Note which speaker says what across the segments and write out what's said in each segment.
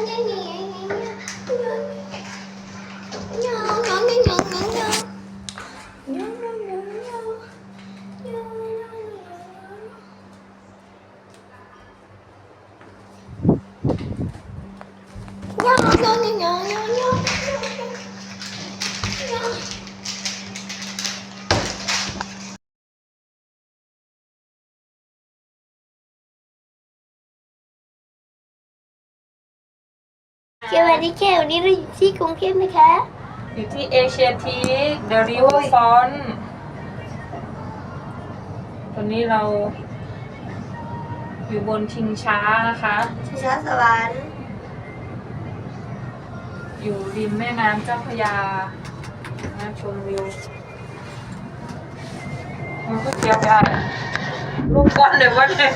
Speaker 1: สวัสดีค่ะวันนี้เราอยู่ที่กรุงเทพนะคะ
Speaker 2: อยู่ที่เอเชียทีคเดอะริเวอร์ฟรอนต์ตอนนี้เราอยู่บนชิงช้านะคะ
Speaker 1: ชิงช้าสวรรค์
Speaker 2: อยู่ริมแม่น้ำเจ้าพระยาชมวิวมันก็เกี่ยวกันลูกก้อนเลยว่าเนี่ย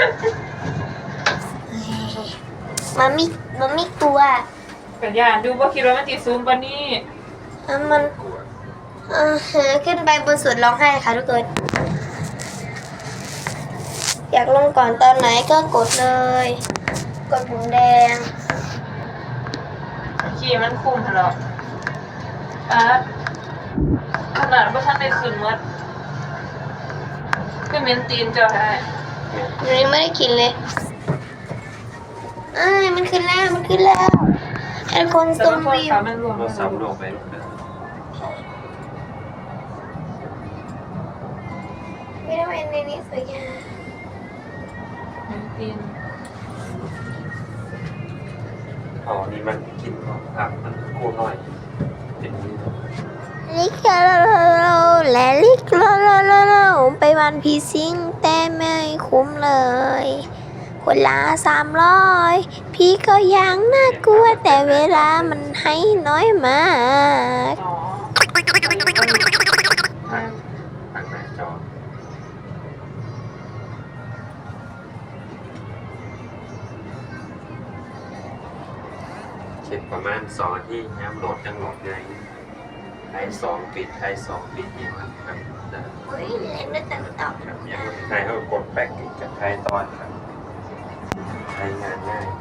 Speaker 1: มันไม่กลัว
Speaker 2: กันยานดูว่าคิดว่ามันตีซูมปะนี่
Speaker 1: มันขึ้นไปบนสวนร้องไห้ค่ะทุกคนอยากลงก่อนตอนไหนก็กดเลยกดปุ่มแดง
Speaker 2: ขี่มันคุ้มเหรอขนาดว่าท่านได้ขึ้นมัดก็เมนตีนเจ้าได้
Speaker 1: ยังไม่ได้กินเลยมันขึ้นแล้วไอ้คนซูมวิว
Speaker 3: เราสำรวจไป
Speaker 1: ไม่ได้เป็นในนี้สวยงาม
Speaker 2: เมนตีน
Speaker 3: นี่มันกินครับมันกูหน่อยเป็นนี้
Speaker 1: ลิกและลิกไปวันพีซิงแต่ไม่คุ้มเลยคนละ300พี่ก็ยังน่ากลัวแต่เวลามันให้น้อยมาก
Speaker 3: ทางหน้าจอเช็คประมาณ2 นาทีน้ำโหลดจังโหลดไงไทย2 ปิดไทย2 ปิดอย่างนั้นครับ
Speaker 1: เล่นไม่ตัดต่อ
Speaker 3: ครับอย่างไทยเขากดแบ็กกับไทยตอนครับใช้งานง่าย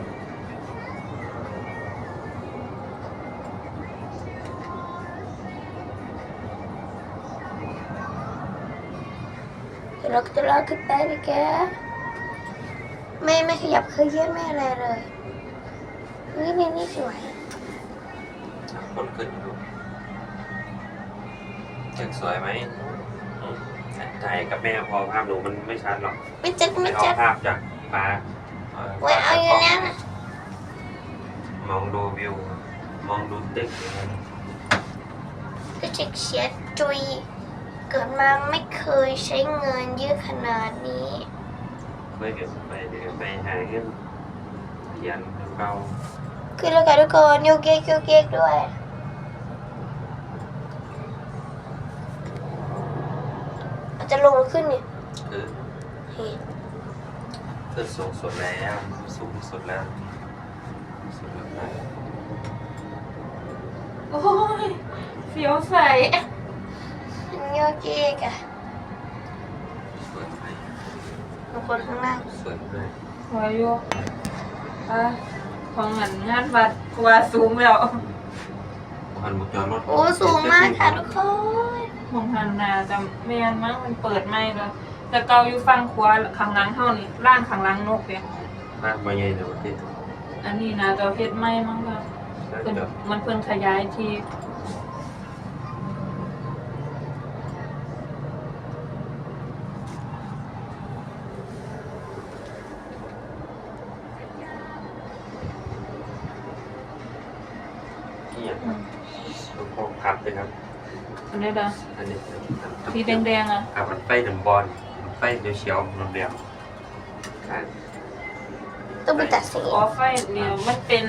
Speaker 1: จะลอกขึ้นไปเลยแกไม่ขยับเคยเยอะไม่อะไรเลยนี่สวย
Speaker 3: คนขึ้นดูยังสวยไหมถ่ายกับแม่พอภาพดูมันไม่ชัดหรอก
Speaker 1: ไม่จัด
Speaker 3: เอาภาพจากฟ้า
Speaker 1: เอาอยู่แล้วนะ
Speaker 3: มองดูวิวมองดูตึก
Speaker 1: ก็เช็คเชียร์จุยเกิดมาไม่เคยใช้เงินเยอะขนาดนี้
Speaker 3: เดี๋ยวไปหาเงินเขียนเก่า
Speaker 1: คือแล้วกันทุกคนโยเกกด้วยอาจจะลงขึ้นเนี่ย
Speaker 3: คือสูงสุดแล้ว
Speaker 2: โอ้ยเสียวใส
Speaker 1: โยเกกอะบางคนข้างล่าง
Speaker 3: สวยเลย
Speaker 2: สวยอยู่ของงานวัดกว่าสูงแล้ว
Speaker 1: โอ้สูงมากค่ะทุกคน
Speaker 2: ของหันนาจะแม่นมั้งมันเปิดไม่แล้วแต่เกาอยู่ฟังขวาข้างหลังเท่านี้ล่างข้างหลังนกเนี่ย
Speaker 3: ล่างมาใหญ่เลยวันที่
Speaker 2: อันนี้นะจะเพชรไหมมั้งครับมันเพิ่นขยายที่
Speaker 3: ลูกโป่งครับเลยครับ
Speaker 2: อันนี้นะ
Speaker 3: อันนี้
Speaker 2: สีแดงๆอ่ะ
Speaker 3: มันไฟน้ำบอลมันไฟเขียวๆมันแดง
Speaker 1: ต้องไปตัดสี
Speaker 2: ไฟเดียวมันเป็น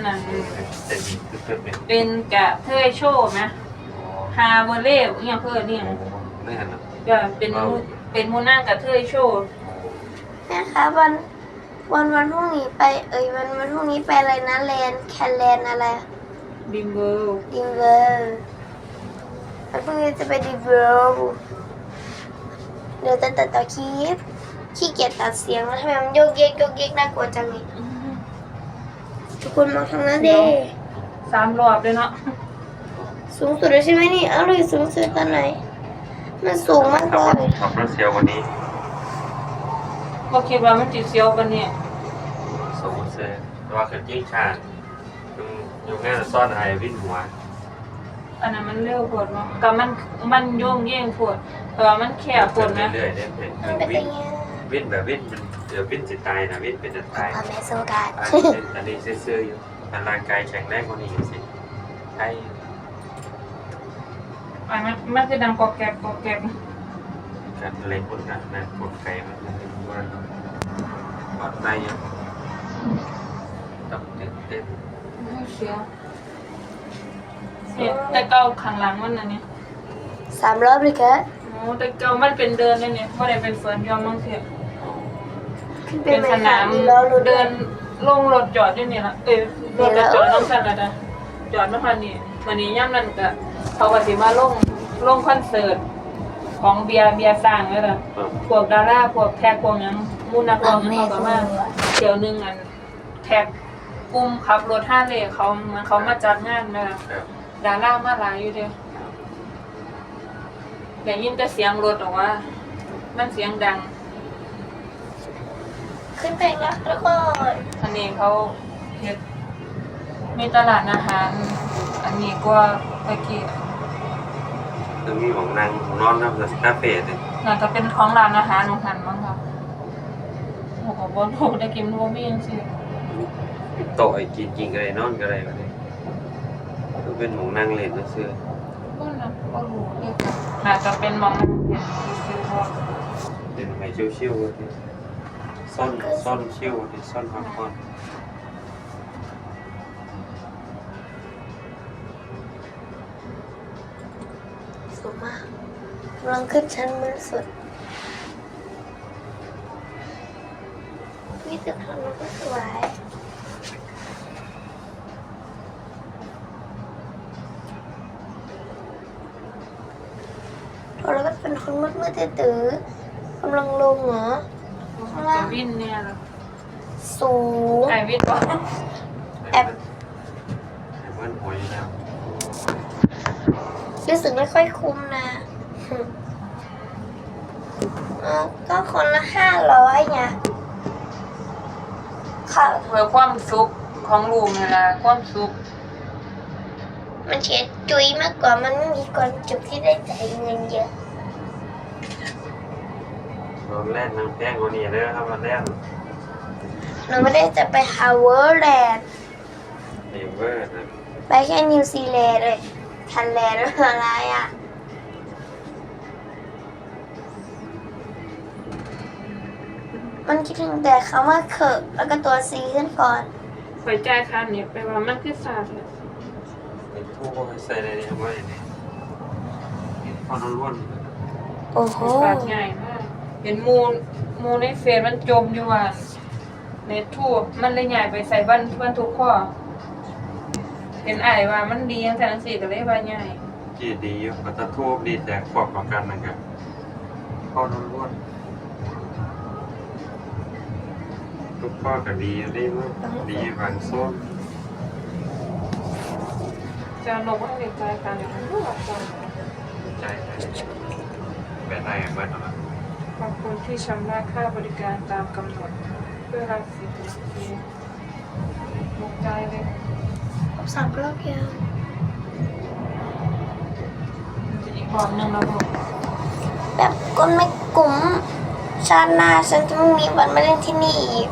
Speaker 2: เป็นกะเทยโชว์ไหมฮาเวเล่เนี่ยเพื่อนเนี่ยก็เป็นมูน่ากะเทยโชว์
Speaker 1: นะคะวันพรุ่งนี้ไปวันพรุ่งนี้ไปอะไรนะแคนแลนอะไร
Speaker 2: ดิมเวอร์
Speaker 1: วันพรุ่งนี้จะไปดิมเวอร์เดี๋ยวจะตัดต่อคลิปขี้เกียจตัดเสียงแล้วทำไมมันโยกเยกน่ากลัวจังเลยทุกคนมองทางนั้นเด้
Speaker 2: 3 รอบเลยเนาะ
Speaker 1: สูงสุดเลยใช่ไหมนี่เอาเลยสูงสุดตอนไหนมันสูงมากเลย
Speaker 3: ขับรถเสียวกว่านี้
Speaker 2: บ่คิดว่ามันสิเสียวปานนี้
Speaker 3: สูงเสียแต่ว่าเกิดยิ่งชาอยู่ง่ายซ่อนอะไรวิ่งหัว
Speaker 2: อันนั้นมันเร็วโพดเนาะก็มันโยงแย่งโพดแต่ว่ามันแคบโพดนะ
Speaker 3: เรื่อยๆได้เป็น
Speaker 1: มันเป็น
Speaker 3: วิ่
Speaker 1: ยังไง
Speaker 3: วิ่งแบบวิ่งเดี๋ยววิ่งสิตายนะวิ่งเป็นจะตาย
Speaker 1: พ่อแม่โซกาด
Speaker 3: อันนี้ซื่อๆอยู่แต่ร่างกายแข็งแรงกว่านี้สิใช่
Speaker 2: อันมันคือดังกอกแกกกอกแกก
Speaker 3: การเล่นคนกันนะกดไก่มันว่าปลอดภัยอยู่ต้องเต้น
Speaker 2: เสียวเนี่ยแต่เก่าข้างหลังมันน่ะเนี่ย
Speaker 1: 3 รอบเลยแก
Speaker 2: โอ้แต่เก่ามันเป็นเดินเลยเนี่ยบ่ได้เป็นเฟิร์นยอมมั้งเสีย
Speaker 1: ขึ้นไป
Speaker 2: เป็น
Speaker 1: ไหม
Speaker 2: สนาม
Speaker 1: ล้อรถ
Speaker 2: เดินลงรถจอดอยู่นี่ล่ะรถจอดน้องสันละจ้ะจอดมาคันนี้วันนี้ย่ำนั้นก็เขาก็สิมาลงคอนเสิร์ตของเบียร์สร้างแล้วล่ะพวกดาราพวกแท็กพวกหยังมูนักร้องเขาก็มาเที่ยวนึงอันแท็กกลุ่มขับรถ5เลนเขาเหมือนเขามาจัดงานนั่นล่ะดารามาหลายอยู่เด้ได้ยินแต่เสียงรถออกว่ามันเสียงดัง
Speaker 1: ขึ้นไปแล้วทุกคน
Speaker 2: อันนี้เขาเฮ็ดมีตลาดอาหาร อันนี้ก็ตะกี้
Speaker 3: คือมีของนางของนอนนะแบบคาเฟ่เลย
Speaker 2: น่าจะเป็นของร้านอาหารของหันมั้งครับโอ้โหบนถูกได้กินโมมี่จังซี่
Speaker 3: โต๊ะไอ้กินกันเลยนอนกันเลยก็ได้คือเป็นของนางเล่นนะเสื้อ
Speaker 2: ก็นะก็รู้เรียกกันน่าจะเป็นหมองนั่นเห็นซื้อพวก
Speaker 3: เป็นไม้ชิวๆที่ซ่อนชิวที่ซ่อนพักผ่อน
Speaker 1: สูงมากกำลังขึ้นชั้นบนสุดมีตึกทางนู้นก็สวยแล้วก็เป็นคนมืดๆตื้อๆกำลังลงเหรอ
Speaker 2: จะวินเนี่ยเหรอ
Speaker 1: สูง
Speaker 2: ไอวินวะ
Speaker 1: แอบ
Speaker 3: ไอ้เบิ้ลหัวอยู่แล้ว
Speaker 1: รู้สึกไม่ค่อยคุ้มนะก็คนละ500ไงค่ะ
Speaker 2: เพื่อความสุขของลูกนี่ล่ะความสุข
Speaker 1: มันเฉียดจุยมากกว่ามันไม่มีความจุกที่ได้จ่ายเงินเยอะ
Speaker 3: โดนแล่นน้ำแป้งกว่านี้เลยครับมันแล่น
Speaker 1: หนูไม่ได้จะไปฮาวเวิร์แลนด์
Speaker 3: เนเวอร์นะ
Speaker 1: ไปแค่นิวซีแลนด์เลยทันแลนด์อะไรอ่ะมันคิดถึงแต่คำว่าเขิกแล้วก็ตัวซีขึ้นก่อน
Speaker 2: ไปจ่ายค่าเน็ตไปว่ามันคือสาดเลย
Speaker 3: ไอ้ทูบใส่ในนี้ไว้เนี่ยพอล้วน
Speaker 1: โอ้โห
Speaker 2: สาดง่ายมากเห็นมูในเฟซมันจมอยู่ว่าเน็ตทูบมันเลยใหญ่ไปใส่บ้านทุกข้อเห็นอ้ายว่ามันดีจังซั่นสิก็เลยว่าใหญ่
Speaker 3: จีดีอยู่ก็จะทูบดีแต่ขอบกับกันนะครับพอล้วนทุกข้อก็ดีได้มั้งดีบางโซน
Speaker 2: จะลงว่าเด็กใจกันเนี่ยมันก็หลับจัง
Speaker 3: ใจแบบไหนเบิ้ลอะไร
Speaker 2: ขอบคุณที่ชำระค่าบริการตามกำหนดเพื่อรับสิทธิลงใจเลย
Speaker 1: 3 รอบยัง
Speaker 2: จะอีกรอบหนึงแล้วลูก
Speaker 1: แบบก้นไม่กุ้มชาติหน้าฉันจะไม่มีวันมาเล่นที่นี่อีก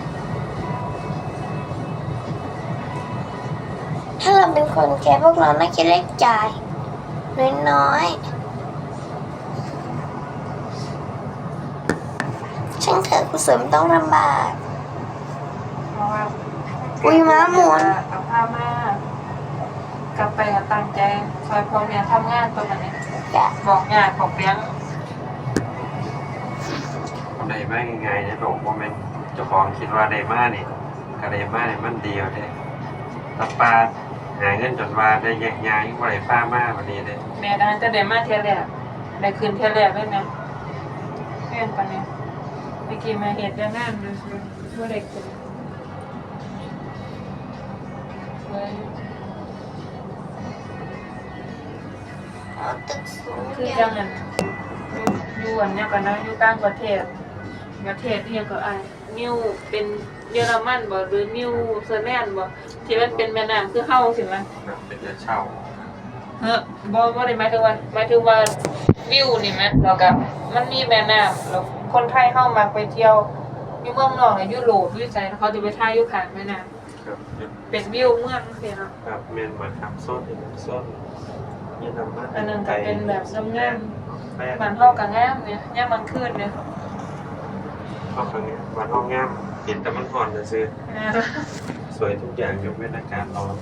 Speaker 1: ถ้าเราเป็นคนแก่พวกเราน่าจะได้จ่ายน้อยๆช่างเถอะกุศลต้องลำบาก
Speaker 2: เพราะว่า
Speaker 1: อุ๊ยม้าหมุน
Speaker 2: เอาผ้ามากลับไปกับตั้งใจซอยพ่อแม่ทำงานตัวมันเนี่ย
Speaker 1: อยาก
Speaker 2: บอกงานของเลี้ยง
Speaker 3: คนใดมาง่ายๆเนี่ยหลงโมเมนต์เจ้าของคิดว่าได้มาเนี่ยก็ได้มาเนี่ยมันเดียวเลยตับปลาหาเงินจนว่าได้แยกย้ายว่าได้ป้ามาวันนี้เลย
Speaker 2: แม่ดันจะได้มาเที่ยวแรกได้คืนเที่ยวแรกเลยนะเพื่อนปะเนี่ยเมื่อกี้มาเห็ดได้งานดูสิว่าได้คืน
Speaker 1: เอาตึกสูง
Speaker 2: คือ
Speaker 1: ใหญ่
Speaker 2: จังนั้นอยู่อันเนี้ยกันนะอยู่ต่างประเทศที่ยังก็นิวเป็นเยอรมันบ่หรือนิวซีแลนด์บ่ที่มันเป็นแม่น้ำคือเฮาสิมั้ย
Speaker 3: แบบเป็นจะเช่า
Speaker 2: บ่ได้หมายถึงว่าวิวนี่แหมแล้วก็มันมีแม่น้ำแล้วคนไทยเฮามักไปเที่ยวอยู่เมืองนอกยุโรปอยู่ไสเขาจะไปถ่ายอยู่ข้างแม่น้ำ
Speaker 3: ครับ
Speaker 2: เป็นวิวเมืองจังซี่เนาะ
Speaker 3: ครับเมนเหมือนครับโซนยืนมา
Speaker 2: อันนั้นก็เป็นแบบงาม
Speaker 3: แป้
Speaker 2: ๆบ้านเฮาก็งามเนี่ยยามกลางคืนเนี่ย
Speaker 3: เข้าครั้งนี้วันห้องงามเห็นแต่มันห่อนจะซื้อ
Speaker 2: นะ
Speaker 3: สวยทุกอย่างยกเว้นอากาศร้อน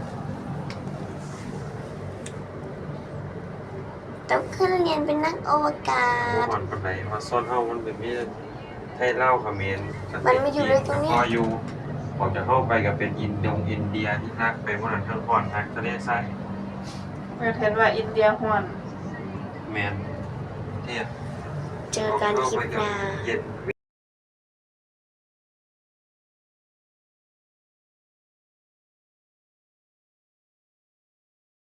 Speaker 1: ต้องขึ้นเรียนเป็นนักอวกาศ
Speaker 3: ห่อนปานใดว่าโซนเฮามันเป็นมีให้เล่าเขมร
Speaker 1: มันไม่อยู่เลยตรงเนี้ย
Speaker 3: พออยู่ออกจากเข้าไปกับเป็นอินเดียที่รักไปวันนั้นทั้งห่อนทักทะเลทราย
Speaker 2: เห็นว่าอินเดียฮ้อน
Speaker 3: แมนเทียบ
Speaker 1: เจอกันคลิปหน้า
Speaker 3: เย็น